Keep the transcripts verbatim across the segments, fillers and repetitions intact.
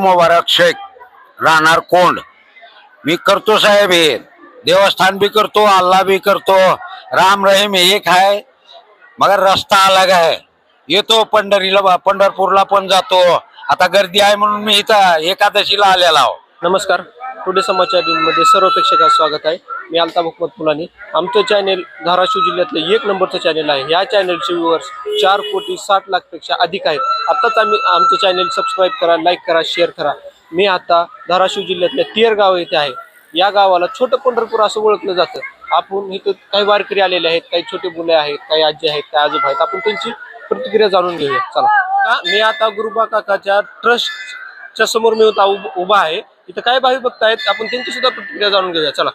मुबारक शेख, राहणार कोंड. मी करतो साहेब, हे देवस्थान भी करतो, अल्लाह भी करतो, राम रहीम एक आहे, मगर रस्ता अलग आहे. येतो पंढरीला, पंढरपूरला पण जातो. आता गर्दी आहे म्हणून मी इथं एकादशीला आलेला आहो. नमस्कार, टुडे समाचार मध्ये सर्व प्रेक्षकांचं स्वागत आहे. मी अल्ताफ हुकमत फुलानी. आमचं चॅनेल धाराशिव जिल्ह्यातलं एक नंबरचं चॅनेल आहे. या चॅनेलचे व्ह्यूअर्स चार कोटी साठ लाख पेक्षा अधिक आहेत. आत्ताच आम्ही आमचं चॅनेल सबस्क्राईब करा, लाईक करा, शेअर करा. मी आता धाराशिव जिल्ह्यातल्या तेर गाव येथे आहे. या गावाला छोटं पंढरपूर असं ओळखलं जातं. आपण इथं काही वारकरी आलेले आहेत, काही छोटे मुले आहेत, काही आजी आहेत, काही आजोबा आहेत. आपण त्यांची प्रतिक्रिया जाणून घेऊया. चला, मी आता गुरुबा काकाच्या ट्रस्टच्या समोर मी होता उभा आहे. इथं काय भावी भक्त आहेत, आपण त्यांची सुद्धा प्रतिक्रिया जाणून घेऊया. चला,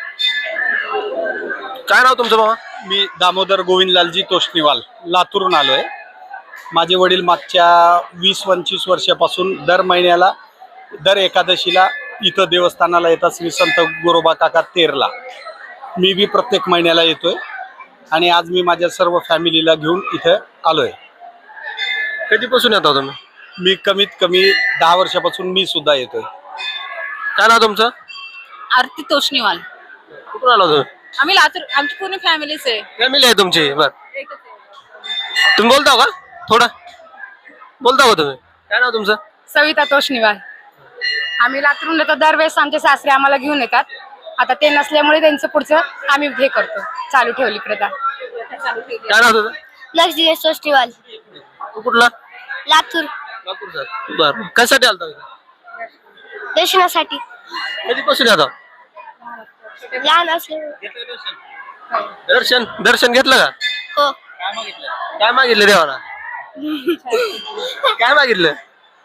काय नाव तुमचं बाबा? मी दामोदर गोविंदलालजी तोष्णीवाल, लातूरून आलोय. माझे वडील मागच्या वीस पंचवीस वर्षापासून दर महिन्याला दर एकादशीला इथं देवस्थानाला येतात, श्री संत गोरोबा काका तेरला. मी बी प्रत्येक महिन्याला येतोय आणि आज मी माझ्या सर्व फॅमिलीला घेऊन इथं आलोय. कधीपासून येता तुम्ही? मी कमीत कमी दहा वर्षापासून मी सुद्धा येतोय. काय नाव तुमचं? आरती तोष्णीवाल. कुठून आला तुम्ही? आम्ही लातूर, आमची पूर्ण फॅमिलीच आहे. फॅमिली आहे तुमची? बर, तुम्ही बोलता का? थोडं बोलता का तुम्ही? काय नाव तुमचं? सविता तोष्णीवाल. आम्ही लातूरून येतो दरवेळेस. आमचे सासरे आम्हाला घेऊन येतात. आता ते नसल्यामुळे त्यांचं पुढचं आम्ही हे करतो, चालू ठेवली प्रथा. काय नाव तुझं? लक्ष दिवस तोष्णीवाल, तू कुठला? लातूर. लातूरचा. बर, कशासाठी आलता? दर्शनासाठी. कधीपासून येता? लहान असले. दर्शन दर्शन घेतलं का? हो. काय मागितलं देवाला? काय मागितलं?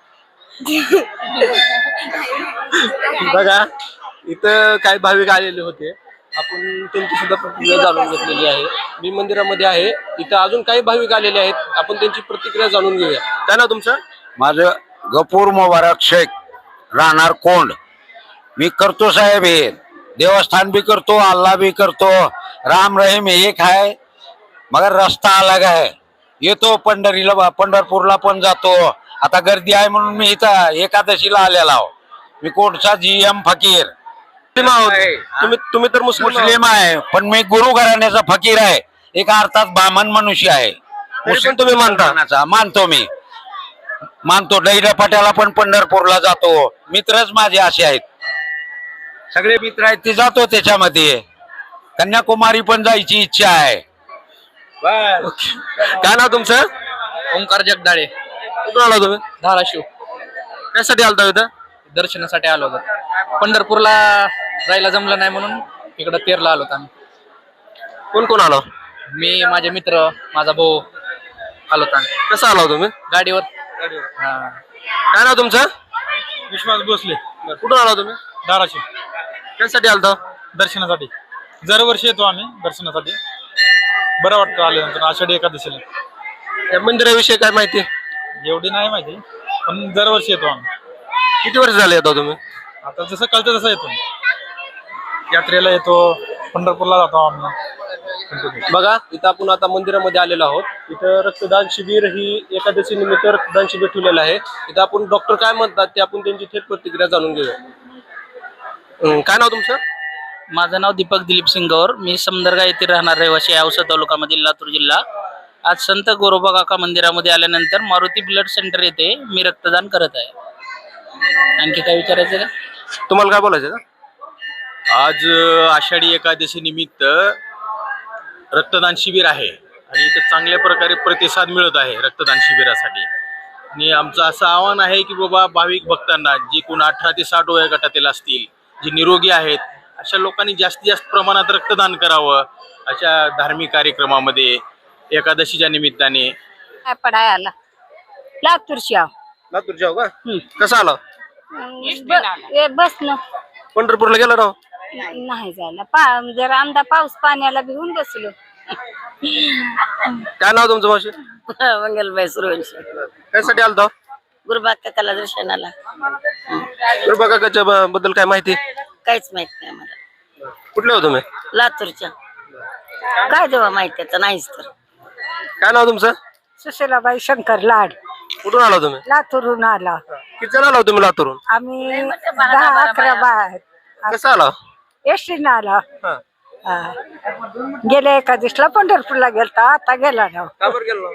बघा, इथं काही भाविक आलेले होते. आपण त्यांची सुद्धा प्रतिक्रिया जाणून घेतलेली आहे. मी मंदिरामध्ये आहे. इथं अजून काही भाविक आलेले आहेत. आपण त्यांची प्रतिक्रिया जाणून घेऊया. काय नाव तुमचं? माझं गफूर मुबारक शेख, राहणार कोंड. मी करतो साहेब, हे देवस्थान भी करतो, अल्लाह भी करतो, राम रहीम एक आहे, मगर रस्ता अलग आहे. येतो पंढरीला, पंढरपूरला पण जातो. आता गर्दी आहे म्हणून मी इथं एकादशीला आलेला आहो. मी कोणचा जी एम फकीर. तुम्ही तुम्ही तर मुस्लिम मुस्लिम आहे, पण मी गुरु घराण्याचा फकीर आहे. एक अर्थात ब्राह्मण मनुष्य आहे. पण तुम्ही मानता? मानतो, मी मानतो. दैरपाट्याला पण पंढरपूरला जातो. मित्रच माझे असे आहेत, सगळे मित्र आहेत, ते जातो त्याच्यामध्ये. कन्याकुमारी पण जायची इच्छा आहे. काय नाव तुमचं? ओंकार जगदाळे. कुठून आला तुम्ही? धाराशिव. कशासाठी आलता इथं? दर्शनासाठी आलो होतो. पंढरपूरला जायला जमलं नाही म्हणून इकडं तेरला आलो होतो आम्ही. कोण कोण आलो? मी, माझे मित्र, माझा भाऊ आलो होतो आम्ही कसं आला तुम्ही? गाडीवर. हा. काय नाव तुमचं? विश्वास भोसले, कुठून आला तुम्ही? धाराशिव. कशासाठी आलता? दर्शनासाठी दरवर्षी येतो आम्ही दर्शनासाठी. बरं वाटतं आल्यानंतर आषाढी एकादशीला. या मंदिराविषयी काय माहिती? एवढी नाही माहिती, पण दरवर्षी येतो आम्ही. किती वर्ष झाले येतो तुम्ही? आता जसं कळतं तसं येतो. यात्रेला येतो, पंढरपूरला जातो आम्ही. बघा, इथं आपण आता मंदिरामध्ये आलेलो आहोत. इथं रक्तदान शिबिर ही एकादशी निमित्त रक्तदान शिबिर ठेवलेलं आहे. इथं आपण डॉक्टर काय म्हणतात ते आपण त्यांची थेट प्रतिक्रिया जाणून घेऊया. अं, काय नाव तुमचं? माझं नाव दीपक दिलीप सिंग गौर. मी समदरगा येथे राहणार रहिवासी आहे, औसा तालुक्यामधील लातूर जिल्हा. आज संत गोरोबा काका मंदिरामध्ये आल्यानंतर मारुती ब्लड सेंटर येथे मी रक्तदान करत आहे. आणखी काय विचारायचं का? तुम्हाला काय बोलायचं का? आज आषाढी एकादशी निमित्त रक्तदान शिबिर आहे आणि इथं चांगल्या प्रकारे प्रतिसाद मिळत आहे रक्तदान शिबिरासाठी. आणि आमचं असं आव्हान आहे की बाबा, भाविक भक्तांना, जी कोण अठरा ते साठ वया गटातील असतील, जे निरोगी आहेत, अशा लोकांनी जास्तीत जास्त प्रमाणात रक्तदान करावं. अशा धार्मिक कार्यक्रमामध्ये एकादशीच्या निमित्ताने. पडाय आला लातूरची आहो. लातूरच्या का? कसं आला? बस ना, पंढरपूरला गेला राव? नाही जायला. पा जरा आमदा पाऊस पाण्याला भिवून बसलो. काय नाव तुमचं मावशी? मंगलबाई सुरवंशी. कशासाठी आलता? गुरुबा काकाला दर्शनाला. गुरुबा काकाच्या ब- बद्दल काय माहिती? काहीच माहित नाही मला. कुठले हो तुम्ही? लातूरच्या. काय देवा माहिती, नाहीच तर. काय नाव तुमचं? सुशीलाबाई शंकर लाड. कुठून आला तुम्ही? लातूरून आला. किती जण आला तुम्ही लातूरून? आम्ही दहा अकरा बाहेर कसं आला? एसटीनं आला. हा. हा. गेल्या एका दिवसला पंढरपूरला गेलता, आता गेला ना. का बरं गेलो?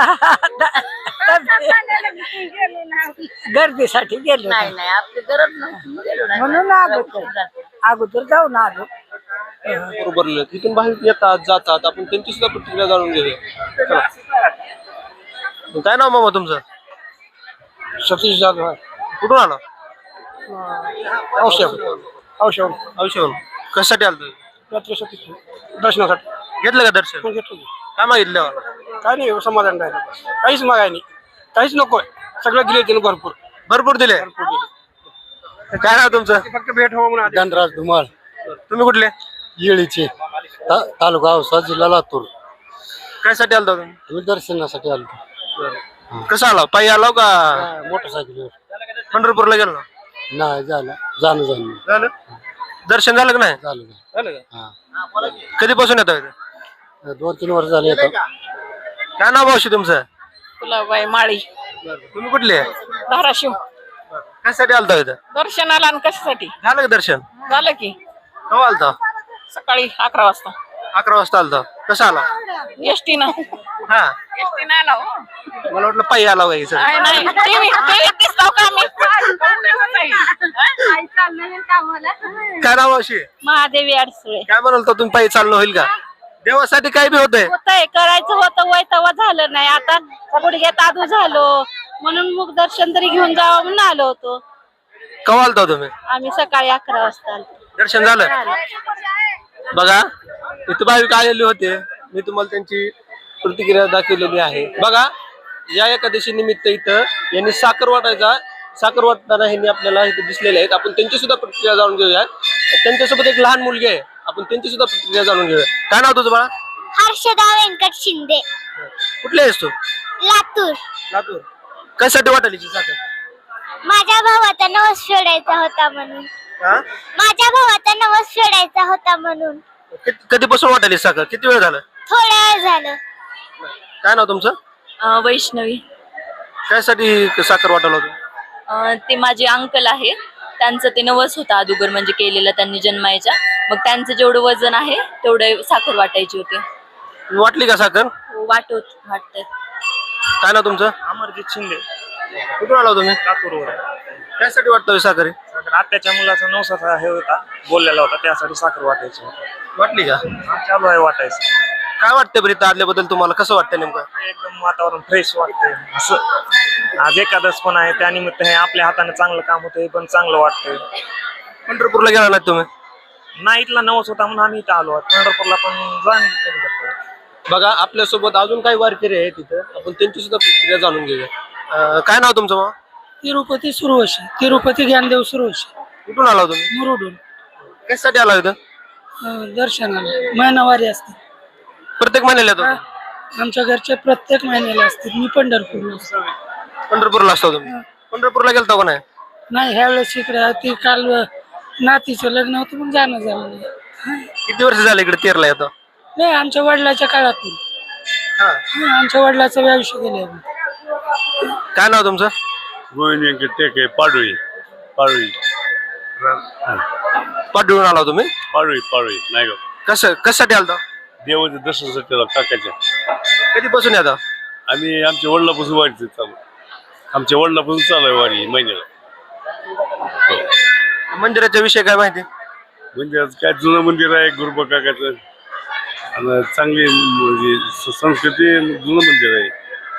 गर्दीसाठी गेलो ना. म्हणून अगोदर अगोदर जाऊन आलो. बरोबर लिहिलं. तिथून बाहेर येतात जातात, आपण त्यांची सुद्धा प्रतिक्रिया जाणून घेऊया. चला. काय नाव मामा तुमचं? सतीश जाधव कुठून आला? औषध औषध औषध कशासाठी आलं तुम्ही? दर्शनासाठी घेतलं का दर्शन? घेतलं. काय मागितलं? काय नाही समाधान राहिलं, काहीच मागाय नाही, काहीच नकोय, सगळं दिले तिने भरपूर भरपूर दिले. काय नाव तुमचं? फक्त भेट हो म्हणून धनराज धुमाळ, तुम्ही कुठले? येळीचे, ता- तालुका औसा, जिल्हा लातूर. कायसाठी आलता तुम्ही? आम्ही दर्शनासाठी आलो. कसं आला? पायी आला का मोटरसायकलवर पंढरपूरला गेलो? नाही झालं, जाणं जाणं झालं. दर्शन झालं का नाही? झालं. झालं का? हा, कधीपासून येतो इथं? दोन तीन वर्ष झाले येतो. काय नाव मावशी तुमचं? फुलाबाई माळी, तुम्ही कुठले? धाराशिव. कशासाठी आलता इथं? दर्शनाला आणि कशासाठी झालं का दर्शन? झालं की केव्हा आलता? सकाळी अकरा वाजता अकरा वाजता आलता. कसा आला? एसटी न हा, एसटी नाही आला हो. मला वाटलं पायी आला का सर. नाही नाही टीव्ही टीव्हीत दिसतो का आम्ही? काय नाव मावशी? महादेवी अडसुळे. काय म्हणाल तर तुम्ही पायी चालणं होईल का? देवासाठी काय बी होतंय. होतंय, करायचं होतं वय तेव्हा झालं नाही, आता गुडघ्यात आदू झालो म्हणून मग दर्शन तरी घेऊन जावं म्हणून आलो होतो. केव्हा आलता तुम्ही? आम्ही सकाळी अकरा वाजता आलो. दर्शन झालं? बघा इथं भाविक आलेले होते, मी तुम्हाला त्यांची प्रतिक्रिया दाखवलेली आहे. बघा या एकादशी निमित्त इथं यांनी साखर वाटायचा साखर वाटताना ह्यांनी आपल्याला इथे दिसलेले आहेत. आपण त्यांची सुद्धा प्रतिक्रिया जाणून घेऊया. त्यांच्यासोबत एक लहान मुलगी आहे, आपण त्यांची सुद्धा प्रतिक्रिया जाणून घेऊया. काय नाव तुझं बाळा? हर्षदा व्यंकट शिंदे, कुठले आहेस तू? लातूर. लातूर. कशासाठी वाटायची साखर? माझ्या भावाचा नवस फेडायचा होता म्हणून. हा? माझ्या भावाचा नवस फेडायचा होता म्हणून. कित- कधीपासून वाटायली साखर? किती वेळ झालं? थोड्या वेळ झालं. काय नाव तुमचं? वैष्णवी. त्यासाठी साखर वाटायला होतं? अं, ते माझे अंकल आहेत, त्यांचं ते नवस होता अगोदर म्हणजे केलेलं त्यांनी जन्मायच्या. मग त्यांचं जेवढं वजन आहे तेवढं साखर वाटायची होती. वाटली का साखर? वाटत वाटत. काय नाव तुमचं? अमरजित शिंदे, कुठून आला तुम्ही? लातूरवर. त्यासाठी वाटतं साखर? आत्याच्या मुलाचा नवसाचा हे होता, बोललेला होता, त्यासाठी साखर वाटायची होती. वाटली का? चालू आहे वाटायचं. काय वाटतं बरं इथं आल्याबद्दल तुम्हाला? कसं वाटतं नेमकं? एकदम वातावरण फ्रेश वाटतंय. असं आज एकादश पण आहे, त्यानिमित्त हे आपल्या हाताने चांगलं काम होतं, हे पण चांगलं वाटतंय. पंढरपूरला गेला नाही तुम्ही? नाही, इथला नवस होता म्हणून आम्ही इथं आलो. पंढरपूरला पण जाण. बघा आपल्यासोबत अजून काही वारकरी आहेत तिथं, आपण त्यांची सुद्धा प्रतिक्रिया जाणून घेऊया. अं, काय नाव तुमचं मग? तिरुपती सुरवशी, तिरुपती ज्ञानदेव सुरवशी, कुठून आला तुम्ही? मुरुडून. कशासाठी आला इथं? अं, दर्शनाला महिनावारी असते प्रत्येक महिन्याला येतो? आमच्या घरचे, प्रत्येक महिन्याला असते. मी पंढरपूरला असते. पंढरपूरला असतो तुम्ही? पंढरपूरला गेलता का नाही? नाही, ह्या वेळेस इकडे ती काल नातीचं लग्न होतं पण जाणं झालं नाही. किती वर्ष झाले इकडे तेरला येतो? नाही, आमच्या वडिलाच्या काळातून. हा. हा, आमच्या वडिलाचं आयुष्य गेले. काय नाव तुमचं? गोविंद व्यंकट टेके, पाडोळी पाडोळी पाठवून आला तुम्ही? पाडोळी पाडोळी नाही का? कसं कशासाठी आलता? देवाच्या दर्शनासाठी आलो काकाच्या. कधीपासून येतो? आम्ही आमच्या वडिलापासून वारीचं चालू, आमच्या वडिलापासून चालू आहे वारी महिन्याला. मंदिराच्या विषयी काय माहिती? म्हणजे आज काय जुनं मंदिर आहे गुरुबा काकाचं, आणि चांगली म्हणजे स- संस्कृती जुनं मंदिर आहे.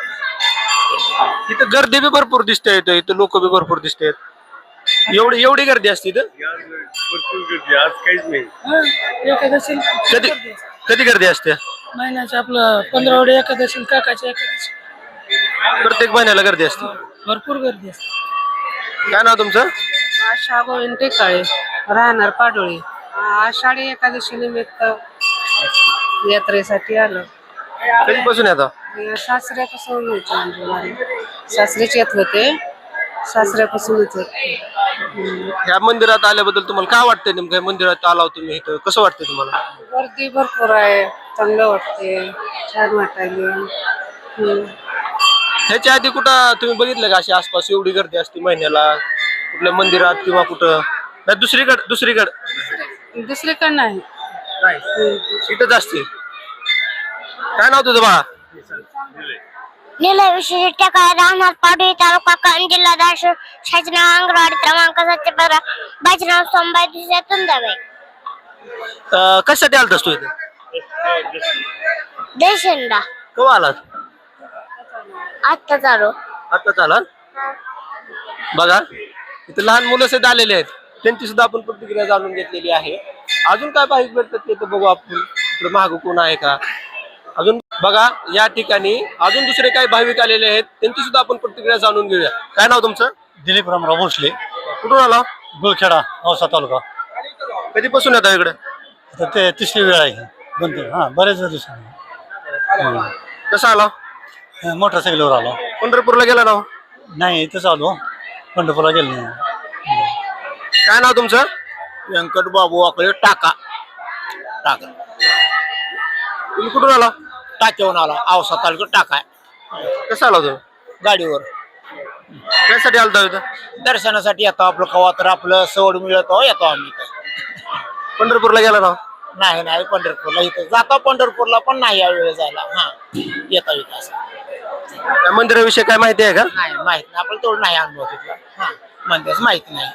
इथं गर्दी बी भरपूर दिसते, इथं इथं लोक बी भरपूर दिसतात. एवढी एवढी गर्दी असते इथं? आज भरपूर गर्दी, आज काहीच नाही. एकादशी कधी कधी गर्दी असते? महिन्याच्या आपलं पंधरावडे एकादशी, काकाच्या एकादशी, प्रत्येक महिन्याला गर्दी असते. भरपूर गर्दी असते. काय नाव तुमचं? आशा गोविंद टेकाळे, राहणार पाडोळी. आषाढी एकादशी निमित्त यात्रेसाठी आलो. कधीपासून येतो? सासऱ्यापासून यायचं म्हणजे वारी. सासरेच येत होते, सासऱ्यापासूनच येत. या मंदिरात आल्याबद्दल तुम्हाला काय वाटतंय? नेमकं या मंदिरात आला तुम्ही इथं, कसं वाटतंय तुम्हाला? गर्दी भरपूर आहे, चांगलं वाटते, छान वाटायले. हम्म. ह्याच्या आधी कुठं तुम्ही बघितलं का अशी आसपास एवढी गर्दी असते महिन्याला कुठल्या मंदिरात किंवा कुठं नाही दुसरीकडे दुसरीकडे दुसरीकडे नाही. इथंच असते. काय नाव तुझं बा? निलय विशेष काय राहणार पाडवी तालुका कळंब जिल्हा धाराशिव शासन अंगणवाडी क्रमांक सातशे पंधरा बाजीराव सोमबाई दिवसातून द्यावे. कशासाठी आलतास तू इथे? देशंडा केव्हा आलात? आत्ता चालू. आता चाला बघा इथे लहान मुलं सुद्धा आलेले आहेत त्यांची सुद्धा आपण प्रतिक्रिया जाणून घेतलेली आहे. अजून काय भाविक भेटतात ते तर बघू आपण. इकडे मागं कोण आहे का अजून बघा. या ठिकाणी अजून दुसरे काही भाविक आलेले आहेत त्यांची सुद्धा आपण प्रतिक्रिया जाणून घेऊया. काय नाव तुमचं? दिलीप रामराव भोसले, कुठून आला? गुळखेडा, औसा तालुका. कधीपासून येता इकडे? आता ते तिसरी वेळ आहे. दोन तीन हा बरेच दिवसांनी. कसं आला? मोटरसायकलवर आलो. पंढरपूरला गेला ना? नाही इथंच आलो, पंढरपूरला गेलो नाही. काय नाव तुमचं? व्यंकट बाबू आकडे टाका टाका तुम्ही कुठून आला? टाक्यावरून आला. औसा तालुका टाका कसं आला तुम्ही? गाडीवर त्यासाठी आलता इथं? दर्शनासाठी येतो. आपलं कवा तर आपलं सवड मिळतो येतो आम्ही इथं. पंढरपूरला गेला ना? नाही नाही पंढरपूरला इथं जातो. पंढरपूरला पण नाही या वेळ जायला. हा येतो इथं असं. त्या मंदिराविषयी काय माहिती आहे का? नाही माहित नाही आपल्याला तेवढं नाही अनुभव तिथला. हा म्हणतेच माहिती नाही.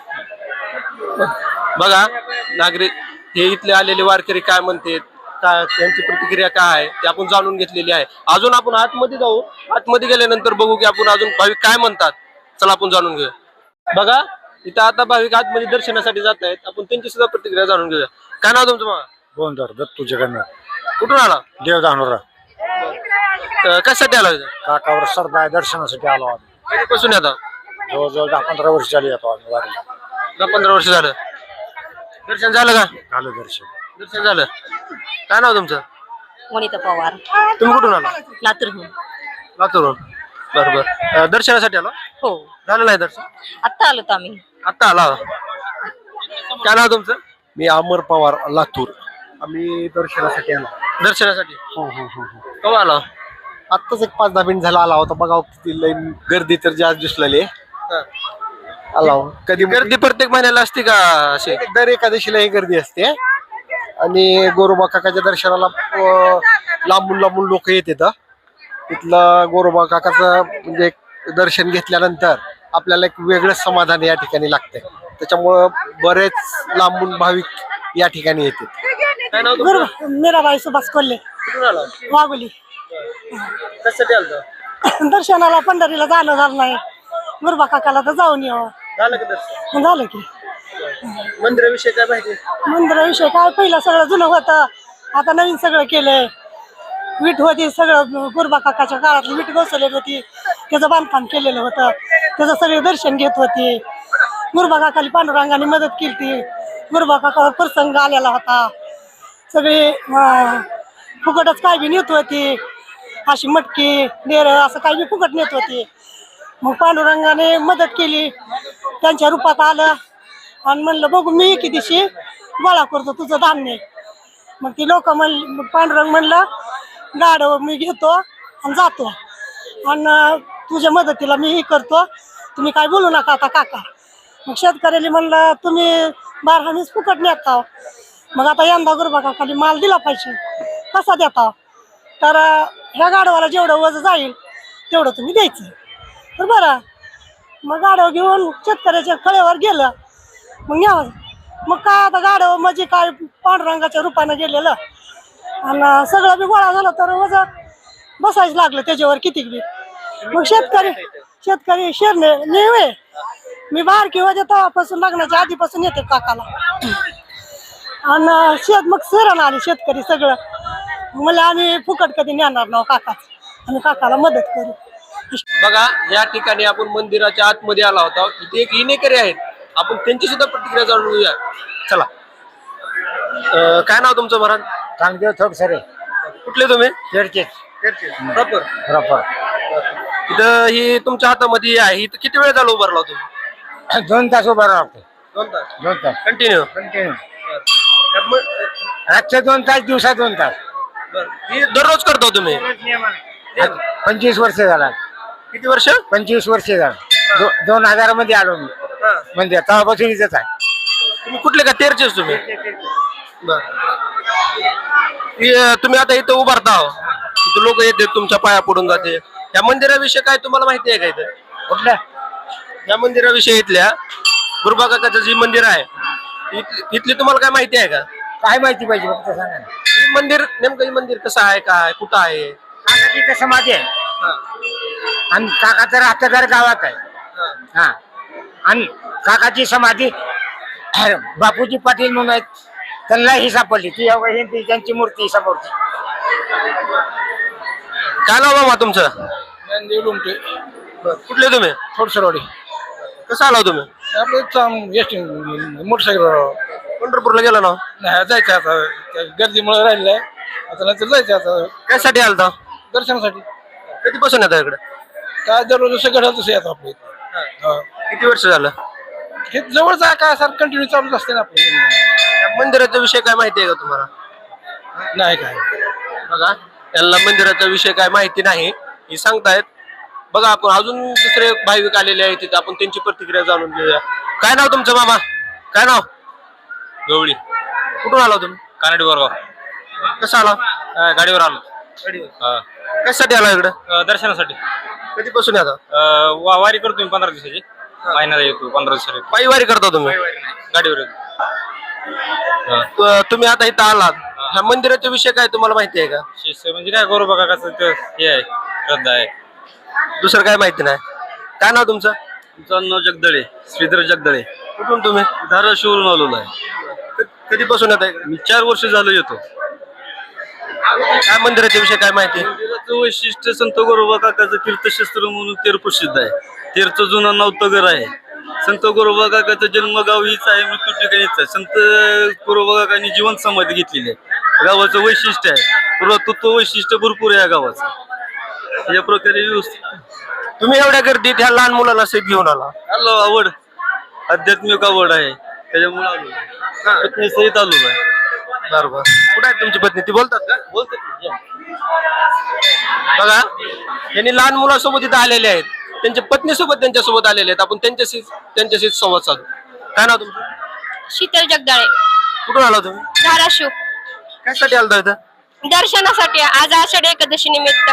बघा नागरिक हे इथले आलेले वारकरी काय म्हणतात काय त्यांची प्रतिक्रिया काय आहे ते आपण जाणून घेतलेली आहे. अजून आपण आतमध्ये जाऊ. आतमध्ये गेल्यानंतर बघू की आपण अजून भाविक काय म्हणतात. चला आपण जाणून घेऊया. बघा इथं आता भाविक आतमध्ये दर्शनासाठी जात आहेत. आपण त्यांची सुद्धा प्रतिक्रिया जाणून घेऊया. काय नाव तुमचं मग? गोंधळ दत्तू जगन्नाथ, कुठून आला? देव धानोरा. कशासाठी आला इथं? काकावर श्रद्धा आहे, दर्शनासाठी आलो आम्ही. कधीपासून येता? जवळजवळ दहा पंधरा वर्ष झाली येतो आम्ही वारीला. दहा पंधरा वर्ष झालं. दर्शन झालं का? झालं दर्शन. दर्शन झालं. काय नाव तुमचं? वनिता पवार, तुम्ही कुठून आला? लातूरहून. लातूरून. बरं बरं. दर्शनासाठी आला? हो, झालं नाही दर्शन? आत्ता आलो आम्ही. आत्ता आला. काय नाव तुमचं? मी अमर पवार, लातूर. आम्ही दर्शनासाठी आलो. दर्शनासाठी हो हो हो केव्हा आला? आत्ताच एक पाच दहा मिनिट झाला आला होता. बघा किती लाईन गर्दी तर जास्त दिसलेली हा. आला हो. कधी गर्दी प्रत्येक महिन्याला असते का अशी? दर एकादशीला ही गर्दी असते. आणि गोरोबा काकाच्या दर्शनाला अं, लांबून लांबून लोक येत येतात. तिथलं गोरोबा काकाचं म्हणजे एक दर्शन घेतल्यानंतर आपल्याला एक वेगळंच समाधान या ठिकाणी लागतंय. त्याच्यामुळं बरेच लांबून भाविक या ठिकाणी येतात. काय नाव तुमचं? मीराबाई सुभाष कोल्हे, कुठून आला? वाघोली. कशासाठी आलता? दर्शनाला पंढरीला जाणं झालं नाही. गुरुबा काकाला तर जाऊन यावं. झालं का दर्शन? झालं की. मंदिराविषयी काय माहिती? मंदिराविषयी काय पहिलं सगळं जुनं होतं, आता नवीन सगळं केलंय. वीट होती सगळं गुरुबा काकाच्या काळातली वीट बसवलेली होती. त्याचं बांधकाम केलेलं होतं. त्याचं सगळे दर्शन घेत होते. गुरुबा काकाली पांडुरंगाने मदत केली. गुरुबा काकावर प्रसंग आलेला होता. सगळे अं, फुकटच काय बी नेत होती. अशी मटकी डेर असं काही बी फुकट नेत होती. मग पांडुरंगाने मदत केली. त्यांच्या रूपात आलं आणि म्हणलं बघू मी किती दिवशी गोळा करतो तुझं धान्य. मग ती लोक म्हण पांडुरंग म्हणलं गाडव मी घेतो आणि जातो आणि तुझ्या मदतीला मी हे करतो. तुम्ही काय बोलू नका आता काका. मग शेतकऱ्याला म्हणलं तुम्ही बारा मीच फुकट नेता. मग आता यंदा गुरुबा काकाली माल दिला पाहिजे. कसा देता? तर ह्या गाडवाला जेवढं वज जाईल तेवढं तुम्ही द्यायचं. तर बरं मग गाडव घेऊन शेतकऱ्याच्या खळ्यावर गेलं. मग न्यावं. मग काय आता गाडव म्हणजे काय पांडुरंगाच्या रूपानं गेलेलं आणि सगळं बी गोळा झालं तर वज बसायच लागलं त्याच्यावर किती बी. मग शेतकरी शेतकरी शेरणे नेवे मी बारकी होते तेव्हापासून लग्नाच्या आधीपासून येते काकाला. आणि शेत मग सरण आले शेतकरी सगळं. मला आम्ही फुकट कधी नेणार ना काका. आम्ही काकाला मदत करू. बघा या ठिकाणी आपण मंदिराच्या आतमध्ये आला होता. इथे एक इनेकरी आहेत. आपण त्यांची सुद्धा प्रतिक्रिया जाणून घेऊया. चला. अं, काय नाव तुमचं महाराज? चांगदेव थोड सरे, कुठले तुम्ही? तेडचे प्रॉपर. प्रॉपर. इथं ही तुमच्या हातामध्ये आहे. इथं किती वेळ झाला उभारला तुम्ही? दोन तास उभा राहतो. दोन तास दोन तास कंटिन्यू. कंटिन्यू. रातचे दोन तास, दिवसा दोन तास. ही दररोज करतो तुम्ही? पंचवीस वर्ष झाला. किती वर्ष? पंचवीस वर्ष झालं. दो- दोन हजार मध्ये आलो मी हा. म्हणजे तेव्हापासून इथंच आहे. तुम्ही कुठले का तेरचेच तुम्ही? बर. हे, तुम्ही आता इथं उभारता आहो, इथं लोक येते तुमच्या पाया पडून जाते. या मंदिराविषयी काय तुम्हाला माहिती आहे का इथं? कुठलं? या मंदिराविषयी इथल्या गुरुबा काकाचं जे मंदिर आहे इथली इथली तुम्हाला काय माहिती आहे का? काय माहिती पाहिजे फक्त सांगा ना. हे मंदिर नेमकं हे मंदिर कसं आहे, काय कुठं आहे? काकाची इथं समाधी आहे हा. आणि काकाचं राहतं घर गावात आहे. हा आणि काकाची समाधी बापूजी पाटील म्हणून आहेत, त्यांना ही सापडली ती अवघ ही ती त्यांची मूर्ती समोरची. काय नाव बाबा तुमचं? ज्ञानदेव लोमटे, बरं. कुठले तुम्ही? थोडसरवाडी. कसं आला तुम्ही? आपलं एस टी मोटरसायकल पंढरपूरला गेला ना? नाही जायचं आता, त्या गर्दीमुळे राहिलेलं आहे. आता नंतर जायचं आता त्यासाठी आलता? दर्शनासाठी. कधीपासून येता इकडे? काय दररोज जसं घडलं तसं येतं आपलं इथं. हा. किती वर्ष झालं? हे जवळच आहे काय सर, कंटिन्यू चालूच असते ना आपलं. या मंदिराचा विषय काय माहिती आहे का तुम्हाला? नाही काय बघा, त्यांना मंदिराचा विषय काय माहिती नाही हे सांगतायत. बघा, आपण अजून दुसरे भाविक आलेले आहेत तिथे, आपण त्यांची प्रतिक्रिया जाणून घेऊया. काय नाव तुमचं मामा? काय नाव? गवळी कुठून आला तुम्ही? कानडी बोरगाव. कसं आला? अं, गाडीवर आलो. गाडीवर. कशासाठी आला इकडं? अं, दर्शनासाठी. कधीपासून येता? अं, वा- वारी करतो मी पंधरा दिवसाची. महिन्याला येतो पंधरा दिवसाची. पायी वारी करता तुम्ही? गाडीवर येतो. तु- तुम्ही आता इथं आलात, ह्या मंदिराचा विषय काय तुम्हाला माहिती आहे का? शिष्य म्हणजे काय गोरोबा काकाचं ते हे आहे, श्रद्धा आहे. दुसरं काय माहिती नाही. काय नाव तुमचं? तुमचं नाव जगदळे, श्रीधर जगदळे. कुठून तुम्ही? धाराशिवरून आलेलो आहे. कधीपासून येता इकडे? मी चार वर्ष झालं येतो. काय मंदिराच्या विषय काय माहिती? मंदिराचं वैशिष्ट्य संत गोरोबा काकाचं तीर्थक्षेत्र म्हणून तेर प्रसिद्ध आहे. तेरचं जुनं नवतगर आहे. संत गोरोबा काकाचं जन्मगाव हीच आहे, मृत्यू ठिकाणीच आहे. संत गोरोबा काकांनी जीवन समाधी घेतलेली आहे. गावाचं वैशिष्ट्य आहे, पुरातत्व वैशिष्ट्य भरपूर आहे या गावाचं. या प्रकारे व्यवस्थित तुम्ही एवढ्या गर्दीत ह्या लहान मुलाला सहित घेऊन आला? आलो. आवड, आध्यात्मिक आवड आहे त्याच्यामुळे आलो. पत्नी सहित आलो आहे. बरोबर. कुठे आहे तुमची पत्नी? ती बोलतात का? बोलतात. बघा, यांनी लहान मुलासोबत इथं आलेले आहेत, त्यांच्या पत्नीसोबत त्यांच्यासोबत आलेले आहेत. आपण त्यांच्याशी त्यांच्याशी संवाद साधू. काय नाव तुमचं? शीतल जगदाळे, कुठून आला तुम्ही? धाराशिव. कशासाठी आलता इथं? दर्शनासाठी आज आषाढी एकादशी निमित्त.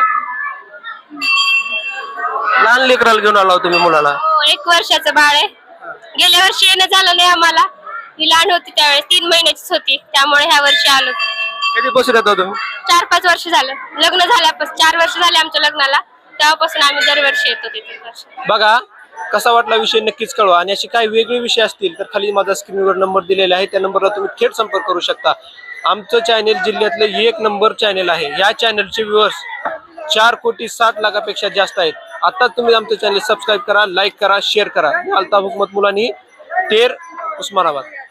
लहान लेकराला घेऊन आला तुम्ही मुलाला? हो, एक वर्षाचं बाळ आहे. गेल्या वर्षी येणं झालं नाही आम्हाला, ही लहान होती त्यावेळेस, तीन महिन्याचीच होती, त्यामुळे ह्या वर्षी आलो. कधीपासून येतो तुम्ही? चार पाच वर्ष झालं लग्न झाल्यापासून, चार वर्ष झाले आमच्या लग्नाला, तेव्हापासून आम्ही दरवर्षी येतो तिथे. बघा, कसा वाटला विषय नक्कीच कळवा. आणि असे काही वेगळे विषय असतील तर खाली माझा स्क्रीनवर नंबर दिलेला आहे, त्या नंबरला तुम्ही थेट संपर्क करू शकता. आमचं चॅनेल जिल्ह्यातलं एक नंबर चॅनेल आहे. या चॅनलचे व्ह्यूअर्स चार कोटी साठ लाखापेक्षा जास्त आहेत. आता तुम्ही आमचं चॅनल सबस्क्राईब करा, लाईक करा, शेअर करा. अल्ताफ हुकमत मुलानी, तेर, उस्मानाबाद.